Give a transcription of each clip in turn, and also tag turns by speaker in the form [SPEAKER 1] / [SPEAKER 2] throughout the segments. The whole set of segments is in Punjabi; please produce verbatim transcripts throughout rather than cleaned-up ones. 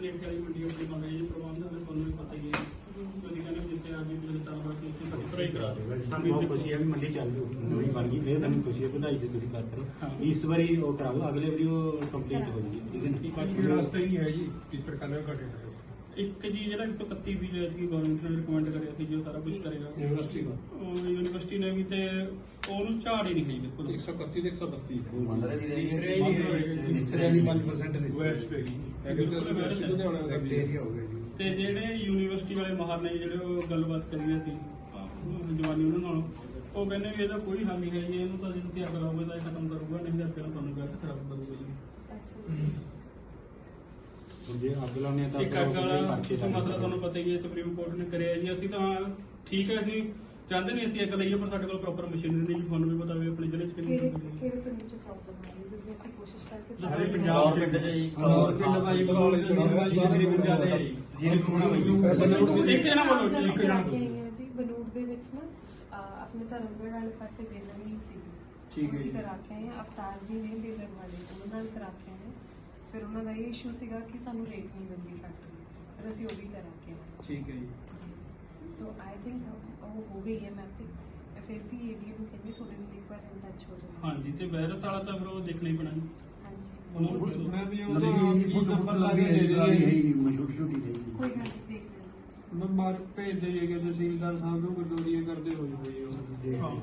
[SPEAKER 1] ਰੇਟ ਵਾਲੀ ਮੰਡੀ ਆਪਣੀ ਮੰਗ ਰਹੀ ਹੈ ਪ੍ਰਬੰਧ ਹੈ ਤੁਹਾਨੂੰ ਵੀ ਪਤਾ ਹੀ ਹੈ ਤੁਸੀਂ ਕਹਿੰਦੇ ਜਿੱਥੇ ਆ ਗਈ ਮੇਰੇ ਸਾਲ ਬਾਅਦ ਉੱਥੇ ਪੱਤਰ ਕਰਾ ਦਿਓ।
[SPEAKER 2] ਸਾਨੂੰ ਬਹੁਤ ਖੁਸ਼ੀ ਹੈ ਵੀ ਮੰਡੀ ਚੱਲ ਰਹੀ ਨਵੀਂ ਬਣ ਗਈ ਇਹ ਸਾਨੂੰ ਖੁਸ਼ੀ ਹੈ ਵਧਾਈ ਤੇ ਤੁਸੀਂ ਕਰਦੇ ਹੋ ਇਸ ਵਾਰੀ ਉਹ ਕਰਾਓ ਅਗਲੇ ਵਾਰੀ ਉਹ ਕੰਪਲੀਟ ਹੋ ਜਾਊਗੀ ਠੀਕ ਹੈ ਨਾ।
[SPEAKER 3] ਬਾਕੀ ਰਸਤਾ ਹੀ ਨਹੀਂ ਹੈ ਜੀ ਇਸ ਪ੍ਰਕਾਰ ਦਾ ਘਟੇ
[SPEAKER 1] ਇੱਕ ਜੀ ਜਿਹੜਾ ਇੱਕ ਸੌ ਇਕੱਤੀ ਵੀ ਜਿਹੜੀ ਗਵਰਨਮੈਂਟ ਨੇ ਰਿਕਮੈਂਡ ਕਰਿਆ ਸੀ ਜੋ ਸਾਰਾ ਕੁਝ ਕਰੇਗਾ
[SPEAKER 3] ਯੂਨੀਵਰਸਿਟੀ ਦਾ
[SPEAKER 1] ਉਹ ਯੂਨੀਵਰਸਿਟੀ ਨੇ ਵੀ ਤੇ ਉਹਨੂੰ ਝਾੜ ਹੀ ਨਹੀਂ ਖਾਈ ਬਿਲਕੁਲ
[SPEAKER 3] ਇੱਕ ਸੌ ਇਕੱਤੀ ਤੇ ਇੱਕ ਸੌ ਬੱਤੀ
[SPEAKER 4] ਮੰਦਰ ਦੀ
[SPEAKER 3] ਤੀਸਰੇ ਹੀ ਨਹੀਂ ਹੋਏਗੀ
[SPEAKER 4] ਤੀਸਰੇ ਨਹੀਂ ਪੰਜ percent
[SPEAKER 3] ਵੈਸਟ ਪੈ ਗਈ ਐਗਰੀਕਲਚਰ ਯੂਨੀਵਰਸਿਟੀ ਲੁਧਿਆਣਾ ਦਾ ਵੀ
[SPEAKER 4] ਏਰੀਆ ਹੋ ਗਿਆ ਜੀ।
[SPEAKER 1] ਤੇ ਜਿਹੜੇ ਯੂਨੀਵਰਸਿਟੀ ਵਾਲੇ ਮਾਹਰ ਨੇ ਜਿਹੜੇ ਉਹ ਗੱਲਬਾਤ ਕਰੀ ਸੀ ਜਵਾਨੀ ਉਹਨਾਂ ਨਾਲ ਉਹ ਕਹਿੰਦੇ ਵੀ ਇਹਦਾ ਕੋਈ ਹੱਲ ਨਹੀਂ ਹੈ ਜੀ ਇਹਨੂੰ ਤਾਂ ਜੇ ਤੁਸੀਂ ਅੱਗ ਲਾਓਗੇ ਤਾਂ ਇਹ ਖਤਮ ਕਰੂਗਾ ਨਹੀਂ ਤਾਂ ਅੱਗੇ ਨਾਲ ਤੁਹਾਨੂੰ ਗੈਸ ਖਰਾਬ ਕਰੂਗਾ ਜੀ।
[SPEAKER 2] ਹੁਣ ਜੇ ਅੱਗ ਲਾਉਣੀ ਹੈ ਤਾਂ
[SPEAKER 1] ਇੱਕ ਅੱਗ ਵਾਲਾ ਮਸਲਾ ਤੁਹਾਨੂੰ ਪਤਾ ਹੀ ਹੈ ਸੁਪਰੀਮ ਕੋਰਟ ਨੇ ਕਰਿਆ ਜੀ ਅਸੀਂ ਤਾਂ ਠੀਕ ਹੈ ਅਸੀਂ ਚਾਹੁੰਦੇ ਨਹੀਂ ਅਸੀਂ ਅੱਗ ਲਾਈਏ ਪਰ ਸਾਡੇ ਕੋਲ ਪ੍ਰੋਪਰ ਮਸ਼ੀਨਰੀ ਨਹੀਂ ਜੀ ਤੁਹਾਨੂੰ ਵੀ ਪਤਾ ਵੀ ਆਪਣੇ ਜ਼ਿਲ੍ਹੇ ਚ ਕਿੰਨੀ
[SPEAKER 5] ਕਿਹੜੇ ਕਿਹੜੇ ਪਿੰਡ ਚ ਪ੍ਰੋਬਲਮ ਹੈ ਜਿਵੇਂ ਅਸੀਂ ਕੋਸ਼ਿਸ਼ ਕਰਕੇ
[SPEAKER 1] ਸਾਰੇ
[SPEAKER 5] ਸਾਰੇ
[SPEAKER 1] ਪੰਜਾਬ
[SPEAKER 4] ਪਿੰਡ ਚ ਜੀ
[SPEAKER 3] ਹੋਰ ਪਿੰਡ ਦਾ ਜੀ ਬਲੌਰ ਤਕਰੀਬਨ ਜ਼ਿਆਦਾ ਹੈ ਜੀ
[SPEAKER 4] ਜਿਹਨੇ ਕੋਣਾ
[SPEAKER 1] ਇੱਕ ਜਣਾ ਬੋਲੋ ਜੀ, ਇੱਕ ਜਣਾ
[SPEAKER 5] ਕੇ ਆਈ ਹਾਂ ਜੀ ਬਨੂੜ ਦੇ ਵਿੱਚ ਨਾ ਅਹ, ਆਪਣੇ ਧਰਮਗੜ੍ਹ ਵਾਲੇ ਪਾਸੇ ਡੇਲਰ ਨਹੀਂ ਸੀ
[SPEAKER 3] ਠੀਕ ਹੈ
[SPEAKER 5] ਅਸੀਂ
[SPEAKER 3] ਜੀ।
[SPEAKER 5] ਕਰਾ ਕੇ ਆਏ ਹਾਂ ਅਵਤਾਰ ਜੀ ਨੇ ਡੇਲਰ ਵਾਲੇ ਉਹਨਾਂ ਨਾਲ ਕਰਾ ਕੇ ਆਏ ਹਾਂ। ਫਿਰ ਉਹਨਾਂ ਦਾ ਇਹ ਇਸ਼ੂ ਸੀਗਾ ਕਿ ਸਾਨੂੰ ਰੇਟ ਨਹੀਂ ਮਿਲਦੀ ਫੈਕਟਰੀ ਫਿਰ ਅਸੀਂ ਉਹ ਵੀ ਕਰਾ ਕੇ ਆਏ ਹਾਂ।
[SPEAKER 3] ਠੀਕ ਹੈ ਜੀ
[SPEAKER 5] ਜੀ ਸੋ ਆਈ ਥਿੰਕ ਉਹ ਹੋ ਗਈ ਹੈ ਮੈਪਿੰਗ ਫਿਰ ਵੀ ਏਡੀਓ ਨੂੰ ਕਹਿੰਦੇ ਥੋੜੇ ਦਿਨ ਇੱਕ ਵਾਰ ਟੱਚ ਹੋ ਜਾਵੇ।
[SPEAKER 1] ਹਾਂਜੀ ਤੇ ਵਾਇਰਸ ਵਾਲਾ ਤਾਂ ਫਿਰ ਉਹ ਦੇਖਣਾ ਹੀ ਪੈਣਾ ਜੀ
[SPEAKER 5] ਹਾਂਜੀ
[SPEAKER 1] ਉਹਨਾਂ ਨੂੰ ਦੇ ਦਿਓ।
[SPEAKER 3] ਮੈਂ ਵੀ
[SPEAKER 4] ਮਤਲਬ ਕਿ
[SPEAKER 3] ਨੰਬਰ ਲਾ
[SPEAKER 4] ਵੀ
[SPEAKER 3] ਕੇ ਦੇ
[SPEAKER 4] ਹੈ
[SPEAKER 3] ਦੇਣੀ
[SPEAKER 4] ਹੀ ਛੋਟੀ ਛੋਟੀ ਰਹੀ
[SPEAKER 5] ਕੋਈ ਗੱਲ ਨਹੀਂ ਦੇਖ ਲੈਂਦੇ
[SPEAKER 3] ਮੈਂ ਮਾਰ ਭੇਜ ਦੇਈਏ ਤਹਿਸੀਲਦਾਰ ਸਾਹਿਬ ਨੂੰ ਗਰਦੋਰੀਆਂ ਕਰਦੇ ਹੋ ਜਾਵੇ
[SPEAKER 1] ਹਾਂ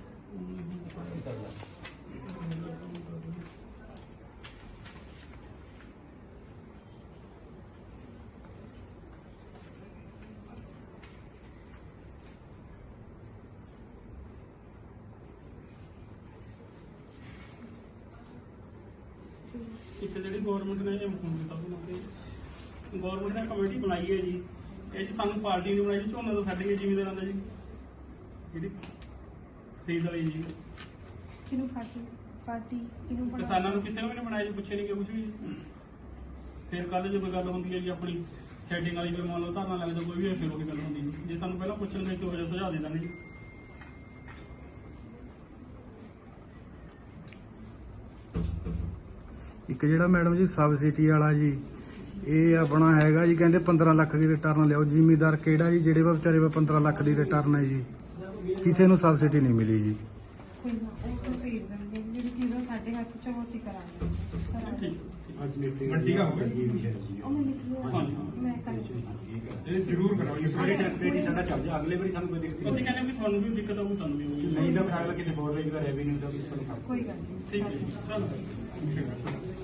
[SPEAKER 1] ਇੱਕ ਜਿਹੜੀ ਗਵਰਨਮੈਂਟ ਨੇ ਮੁਖਮੰਤਰੀ ਸਾਹਿਬ ਨੇ ਤੇ ਗਵਰਨਮੈਂਟ ਨੇ ਕਮੇਟੀ ਬਣਾਈ ਹੈ ਜੀ ਇਹ ਚ ਸਾਨੂੰ ਪਾਰਟੀ ਨੇ ਬਣਾਈ ਜੀ ਝੋਨਾ ਤੋਂ ਸਾਡੇ ਜ਼ਿਮੀਂਦਾਰਾਂ ਦਾ ਜੀ ਜਿਹੜੀ ਖਰੀਦ ਵਾਲੀ ਜੀ
[SPEAKER 5] ਕਿਹਨੂੰ ਪਾਰਟੀ ਪਾਰਟੀ ਕਿਹਨੂੰ ਬਣਾ
[SPEAKER 1] ਕਿਸਾਨਾਂ ਨੂੰ ਕਿਸੇ ਨੂੰ ਵੀ ਨਹੀਂ ਬਣਾਇਆ ਜੀ ਪੁੱਛੇ ਨਹੀਂ ਕਿ ਕੁਝ ਵੀ ਫਿਰ ਕੱਲ ਜਦੋਂ ਗੱਲ ਹੁੰਦੀ ਹੈ ਜੀ ਆਪਣੀ ਸੈਟਿੰਗ ਵਾਲੀ ਫਿਰ ਮੰਨ ਲਓ ਧਰਨਾ ਲੱਗਦਾ ਕੋਈ ਵੀ ਫਿਰ ਉਹੀ ਗੱਲ ਹੁੰਦੀ ਜੀ ਜੇ ਸਾਨੂੰ ਪਹਿਲਾਂ ਪੁੱਛਣ ਦੇ ਕਿਹੋ ਜਿਹਾ ਸੁਝਾਅ ਦੇ ਦਾਂਗੇ ਜੀ
[SPEAKER 6] ਇੱਕ ਜਿਹੜਾ ਮੈਡਮ ਜੀ ਸਬਸਿਡੀ ਵਾਲਾ ਜੀ ਇਹ ਆਪਣਾ ਹੈਗਾ ਜੀ ਕਹਿੰਦੇ ਪੰਦਰਾਂ ਲੱਖ ਦੀ ਰਿਟਰਨ ਲਿਆਓ ਜ਼ਿਮੀਦਾਰ ਕਿਹੜਾ ਜੀ ਜਿਹੜੇ ਵਾ ਵਿਚਾਰੇ ਵਾ ਪੰਦਰਾਂ ਲੱਖ ਦੀ ਰਿਟਰਨ ਹੈ ਜੀ ਕਿਸੇ ਨੂੰ ਸਬਸਿਡੀ ਨਹੀਂ ਮਿਲੀ ਜੀ।
[SPEAKER 5] ਕੋਈ ਨਾ ਉਹ ਤਾਂ ਭੇਜ ਦੇਣਗੇ ਜਿਹੜੀ ਚੀਜ਼ਾਂ ਸਾਡੇ ਹੱਥ ਚ ਉਹ ਅਸੀਂ ਕਰਾਂਗੇ ਕਰਾਂਗੇ।
[SPEAKER 1] ਠੀਕ
[SPEAKER 2] ਅੱਜ ਮੀਟਿੰਗ
[SPEAKER 3] ਮੰਡੀ ਦਾ ਹੋਵੇ।
[SPEAKER 2] ਇਹ ਵੀ ਹੈ ਜੀ
[SPEAKER 5] ਉਹ ਮੈਂ ਲਿਖ ਲਿਆ
[SPEAKER 1] ਹਾਂਜੀ।
[SPEAKER 5] ਮੈਂ ਕਰ
[SPEAKER 2] ਠੀਕ ਹੈ
[SPEAKER 3] ਇਹ ਜ਼ਰੂਰ ਕਰਾਓ
[SPEAKER 2] ਇਸ ਵਾਰੀ ਟੈਂਪਰੇਰੀ ਸਾਡਾ ਚੱਲ ਜਾ ਅਗਲੇ ਵਾਰੀ ਸਾਨੂੰ ਕੋਈ ਦਿੱਕਤ
[SPEAKER 1] ਅਸੀਂ
[SPEAKER 2] ਨਹੀਂ
[SPEAKER 1] ਕਹਿੰਦੇ ਵੀ ਤੁਹਾਨੂੰ ਵੀ ਦਿੱਕਤ ਆਊ ਸਾਨੂੰ ਵੀ ਆਊਗੀ
[SPEAKER 2] ਨਹੀਂ ਤਾਂ ਫਿਰ ਅਗਲਾ ਕਿਤੇ ਹੋਰ ਰੇਂਜ ਦਾ ਰੈਵਨਿਊ ਦਾ ਵੀ ਸਾਨੂੰ
[SPEAKER 1] ਠੀਕ ਹੈ ਜੀ ਚਲੋ